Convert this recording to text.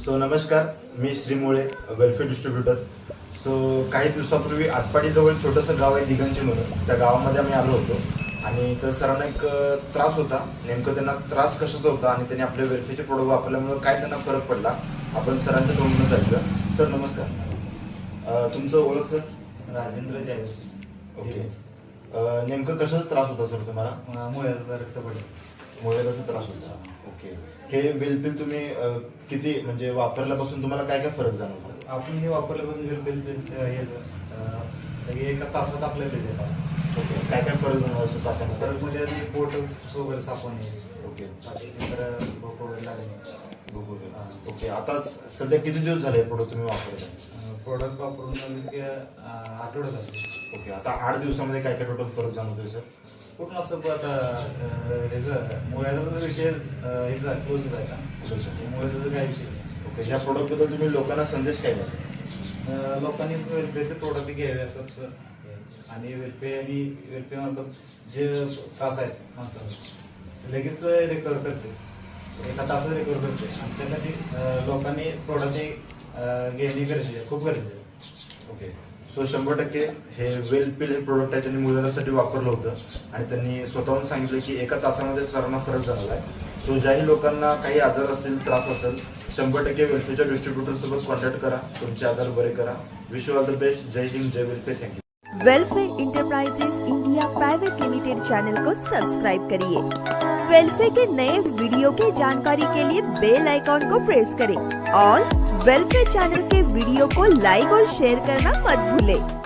So नमस्कार, मी श्री मुळे, welfare distributor. So काही दिवसापूर्वी आटपाडीजवळ छोटंसं गाव आहे दिगंजी म्हणून, त्या गावामध्ये आम्ही आलो होतो आणि तर सरांना एक त्रास होता. नेमकं त्यांना त्रास कशाचा होता आणि त्यांनी आपले वेलफेअरचे प्रोडक्ट वापरल्यामुळे काय त्यांना फरक पडला आपण सरांच्या तोंडूनच ऐकलं. सर नमस्कार, तुमचं ओळख सर? राजेंद्र जायवस. ओके. नेमकं कशाचा त्रास होता सर तुम्हाला? मुळ्याचा रक्त पडलं. मुळव्याधाचा त्रास होता. ओके. हे वेलपिल तुम्ही किती म्हणजे वापरल्यापासून तुम्हाला काय काय फरक जाणवला? आपण हे वापरल्यापासून एका तासात आपल्याला येतात. ओके. काय काय फरक जाणवला असं तासामध्ये? फरक म्हणजे पोट वगैरे साफ होणे, ओके. तर भूक वगैरे लागणे. ओके. आता सध्या किती दिवस झाले प्रोडक्ट तुम्ही वापरताय? प्रोडक्ट वापरून आठवडा झाले. ओके. आता 8 दिवसामध्ये काय काय टोटल फरक जाणवतोय सर? पूर्ण असं आता ह्याचं मुळ्याचा विषय ह्याचा क्लोज आहे का? मुळ्याचा काय विषय नाही. ओके. या प्रोडक्ट बद्दल तुम्ही लोकांना संदेश काय द्याल? लोकांनी वेलपेचे प्रोडक्ट घ्यावे असं आणि वेलपे मार्फत जे त्रास आहेत माणसाला लगेच रिकवर करते, एका तासात रिकवर करते आणि त्यासाठी लोकांनी प्रोडक्ट घेणे गरजेचे आहे, खूप गरजेचे आहे. ओके. सो 100% हे वेलपिल हे प्रोडक्ट आहे त्यांनी मुलांसाठी वापरलं होतं आणि त्यांनी स्वतःहून सांगितलं की एका तासामध्ये सरांना फरक झाला आहे. सो ज्याही लोकांना काही आजार असतील, त्रास असेल, 100% वेलफेअरच्या डिस्ट्रीब्युटर सोबत कॉन्टॅक्ट करा, तुमचे आजार बरे करा. Wish you all the best. जय हिंद, जय welfare. Thank you. Welfare enterprises India private limited channel को सब्सक्राइब करिए। वेलफेयर के नए वीडियो की जानकारी के लिए बेल आइकॉन को प्रेस करें और वेलफेयर चैनल के वीडियो को लाइक और शेयर करना मत भूलें।